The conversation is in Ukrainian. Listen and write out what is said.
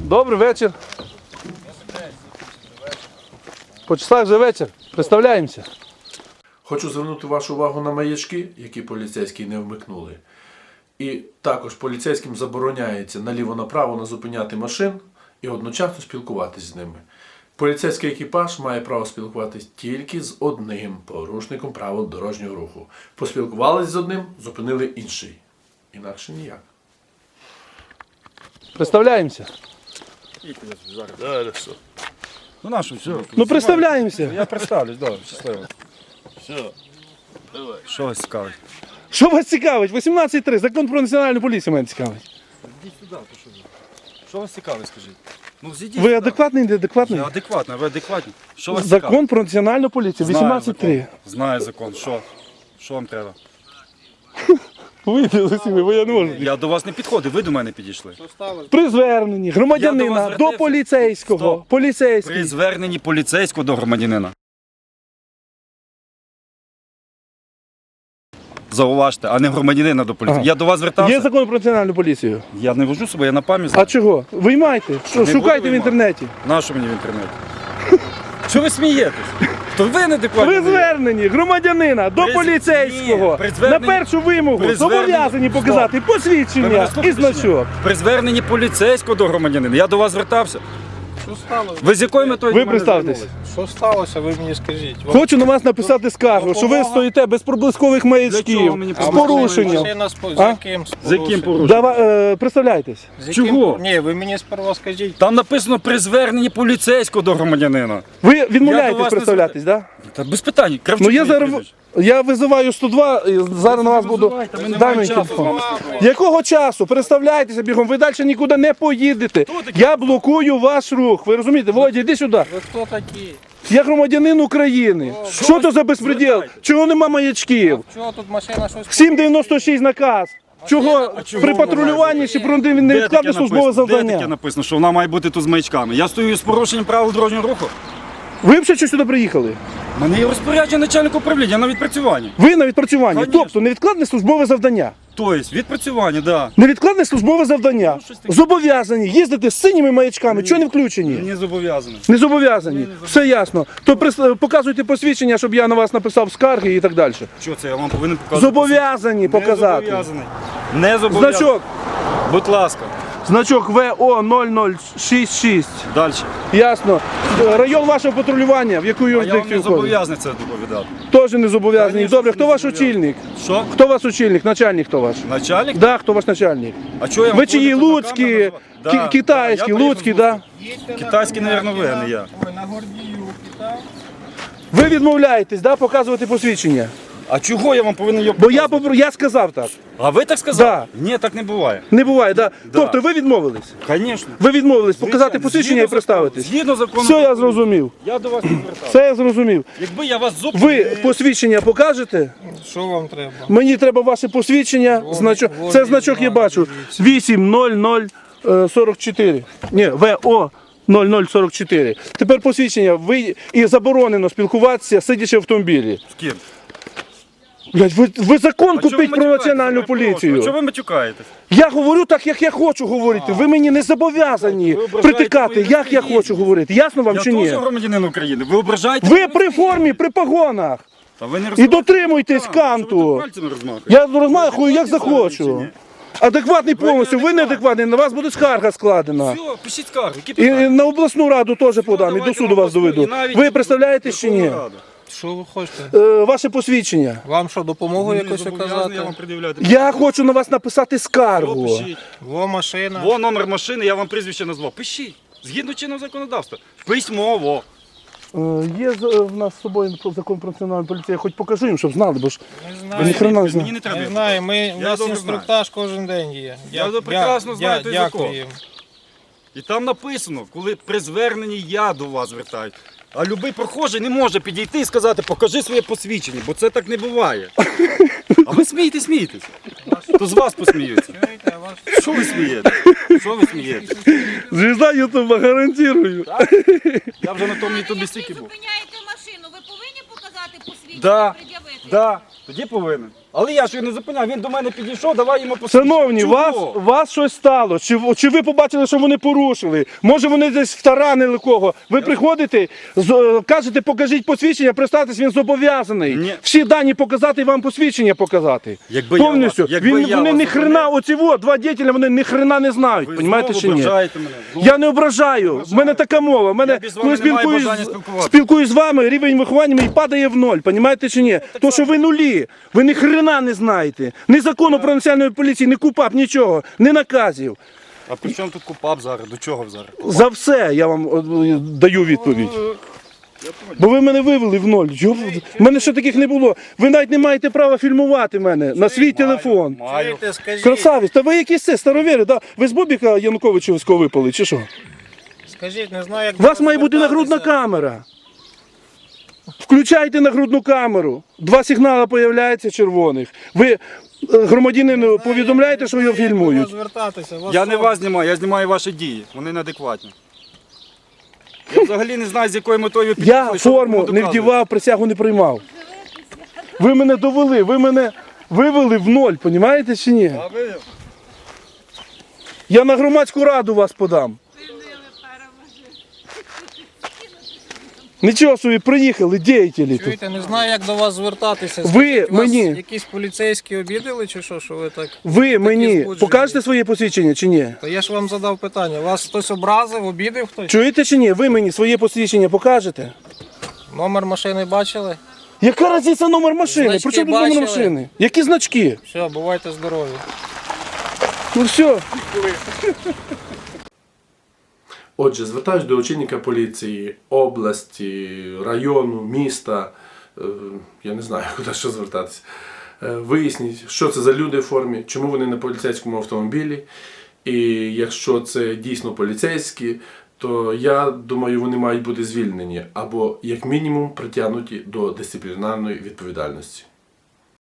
Добрий вечір. По часах вже вечір. Представляємося. Хочу звернути вашу увагу на маячки, які поліцейські не вмикнули. І також поліцейським забороняється наліво-направо не зупиняти машин і одночасно спілкуватись з ними. Поліцейський екіпаж має право спілкуватись тільки з одним порушником правил дорожнього руху. Поспілкувались з одним, зупинили інший. Інакше ніяк. Представляємося. Ну нашу, все. Ну представляємося. Я представлюсь, добре, щасливо. Все, давай. Що вас цікавить? Що вас цікавить? 18.3. Закон про національну поліцію мене цікавить. Йдіть сюди, то що ви? Що вас цікавить, скажіть? Ну зійдіть Ви сюди. адекватний, неадекватний? Я адекватний, ви адекватні. Що вас цікавить? Закон про національну поліцію. 18.3. Знаю закон. Що? Що вам треба? Вийдіть з усіми, бо я не можу. Я до вас не підходив, ви до мене підійшли. При зверненні Я до громадянина вас до звертався. поліцейського. Стоп. Поліцейський. При зверненні поліцейського до громадянина. Зауважте, а не громадянина до поліції. Ага. Я до вас звертався. Є закон про національну поліцію. Я не вожу себе, я на пам'ять А знаю. чого? Виймайте. Що, Не буду шукайте в виймати. інтернеті. Нащо мені в інтернеті? Що ви смієтесь? То ви неадекватні. При зверненні громадянина до При- поліцейського Ні, при зверненні- на першу вимогу при зобов'язані зверненні- показати Ви посвідчення мене і слухаєте чи ні? значок. При зверненні поліцейського до громадянина. Я до вас звертався. Що сталося? Ви з якою метою Ви до мене представтесь. звернулись? Що сталося, ви мені скажіть. Хочу на вас написати скаргу, що ви стоїте без проблискових Для маячків, чого мені з проблискові порушенням. Машина з А? яким З яким порушенням? Представляйтесь. Чого? Ні, ви мені сперва скажіть. Там написано при зверненні поліцейського до громадянина. Ви Я до відмовляєтесь вас не представлятись, так? Та без питань. Кравчук Ну я моє зараз прізвище. я визиваю 102 і зараз на вас буду. визивайте, ми не Дай маємо мені часу телефон. з вами спілкуватися. Якого часу? Представляйтеся бігом, ви далі нікуди не поїдете. Я блокую ваш рух. Ви розумієте? Володя, йди сюди. Ви хто такі? Я громадянин України. Що це за безпреділ? Звертайте. Чого нема маячків? Чого тут машина щось? 796 наказ. Чого чого при вона патрулюванні має чи про Де таке невідкладне службове написано? Де таке завдання? написано, що вона має бути тут з маячками? Я стою з порушенням правил дорожнього руху. Ви взагалі що сюди приїхали? У мене є розпорядження начальника управління, я на відпрацюванні. Ви на відпрацюванні. Конечно. Тобто невідкладне службове завдання. Тобто, відпрацювання, так. Да. Невідкладне службове завдання. щось таке. Зобов'язані їздити з синіми маячками. Чого не включені? Не зобов'язаний. Не зобов'язані. Все ясно. То показуйте посвідчення, щоб я на вас написав скарги і так далі. Що це, я вам повинен показати? Зобов'язані Не показати. зобов'язаний. Не зобов'язаний. Значок. Будь ласка. Значок ВО 0066. Далі. Ясно. Район вашого патрулювання, в яку А я вам не юрисдикцію входить? зобов'язаний це доповідати. Теж не зобов'язаний. Конечно, Добре, не хто ваш зобов'язаний. очільник? Що? Хто ваш очільник? Начальник хто ваш? Начальник? Да, хто ваш начальник? А чого я вам Ви чиї повинен на луцькі, камеру назвати? китайські, я приїхав луцькі, з да? Луцька. Китайський, мабуть, ви, а не я. Ой, на Гордіюки, так? Ви відмовляєтесь, да, показувати посвідчення? А чого я вам повинен його Бо показувати? я сказав так. А ви так сказали? Ні, так не буває. Не буває, да? Тобто ви відмовились? Звісно. Ви відмовились показати посвідчення і представитись? Згідно закону. Все, я зрозумів. Я до вас не звертався. Все я зрозумів. Якби я вас зупинив... Ви посвідчення покажете? Що вам треба? Мені треба ваше посвідчення. Значок. Це значок я бачу. 80044. Ні, ВО 0044. Тепер посвідчення. Ви і заборонено спілкуватися, сидячи в автомобілі. З ким? Блядь, ви закон А чого купіть ви про матюкаєтесь? національну Я перепрошую. А поліцію. чого ви матюкаєтесь? Я говорю так, як я хочу говорити. Ви мені не зобов'язані Ви ображаєте притикати, мою як я гідність. хочу говорити. Ясно вам Я чи ні? теж громадянин України. Ви ображаєте? Ви при формі, при погонах. Та ви не І розмахуєте дотримуйтесь руками. Що ви канту. тут пальцями розмахуєте? Я розмахую як Ви адекватні захочу. чи ні? Адекватний повністю, ви неадекватні. неадекватний, на вас буде скарга складена. Все, пишіть скаргу. Які І питання? на обласну раду теж подам, і до давайте суду на вас обласну, доведу. і навіть Ви представляєтесь чи ні? Верховну Раду. Що ви хочете? Ваше посвідчення. Вам що, допомогу Не якось зобов'язаний я вам оказати? пред'являти. Я хочу на вас написати скаргу. Пишіть. Во машина. Во номер машини, я вам прізвище назвав. Пишіть. Згідно чинного законодавства. Письмово. Є в нас з собою закон про національну поліцію, я хоч покажу їм, щоб знали, бо ж Не ви знаю. ніхрена не Мені знаєте. не треба. Не знаю, у Я нас добре інструктаж кожен день є. Я прекрасно знаю той закон. Дякую. І там написано, коли при зверненні я до вас звертаюсь. А любий прохожий не може підійти і сказати, покажи своє посвідчення, бо це так не буває. А ви смієтесь. То з вас посміються. Чуєте, а вас... Що ви смієтесь? Що ви смієтесь? Звізда Ютуба, гарантую. Я вже на тому ютубі стільки був. Зупиняєте машину, ви повинні показати посвідчення, Да, пред'явити? да, тоді повинен. Але я ж його не зупиняв, він до мене підійшов, давай йому посвідчення. Шановні, Чого? вас щось стало. Чи ви побачили, що вони порушили? Може вони десь втаранили кого? Ви приходите, кажете, покажіть посвідчення, представтесь, він зобов'язаний. Ні. Всі дані показати і вам посвідчення показати. Якби я Повністю. вас- якби я Вони вас ні хрена, оці два дітеля, вони ні хрена не знають. Ви Понімаєте знову чи ні? ображаєте мене. Знову. Я не ображаю. В мене така мова. В мене, Я без вами не маю бажання спілкуватися. спілкуюсь з вами, рівень виховання мій падає в ноль. Понімаєте чи ні? То, що ви нулі. Ви ні хрена не знаєте. Ні закону про національну поліцію, ні КУПАП, нічого. Ні наказів. А при чому тут КУПАП зараз? До чого зараз? За все я вам даю відповідь. Бо ви мене вивели в ноль. В мене ще таких не було. Ви навіть не маєте права фільмувати мене на свій телефон. Маю. Чуєте, скажіть, Красавець, та ви якісь це старовіри, да? Ви з Бобіка Януковичівського випали, чи що? скажіть, не знаю, як У вас має бути нагрудна камера. Включайте нагрудну камеру. 2 сигнали появляються червоних. Ви громадянину повідомляєте, що його фільмують. Звертатися. Я не вас знімаю, я знімаю ваші дії. Вони неадекватні. Я взагалі не знаю, з якою метою ви Я підійшли, що ви форму кому не доказуєте. вдівав, присягу не приймав. Ви мене довели, ви мене вивели в ноль, понімаєте чи ні? А ви? Я на громадську раду вас подам. Нічого собі, приїхали, діятелі тут. Чуєте, не знаю, як до вас звертатися. Ви Скажіть, вас мені- якісь поліцейські обідали чи що ви так? Ви мені збуджені. покажете своє посвідчення чи ні? Та я ж вам задав питання. Вас хтось образив, обідав хтось? Чуєте чи ні? Ви мені своє посвідчення покажете? Номер машини бачили? Яка різниця номер машини? Значки При чому тут номер бачили? машини? Які значки? Все, бувайте здорові. Ну все. Отже, звертаюсь до очільника поліції області, району, міста. Я не знаю, куди ще звертатися. Виясніть, що це за люди в формі, чому вони на поліцейському автомобілі. І якщо це дійсно поліцейські, то я думаю, вони мають бути звільнені або, як мінімум, притягнуті до дисциплінарної відповідальності.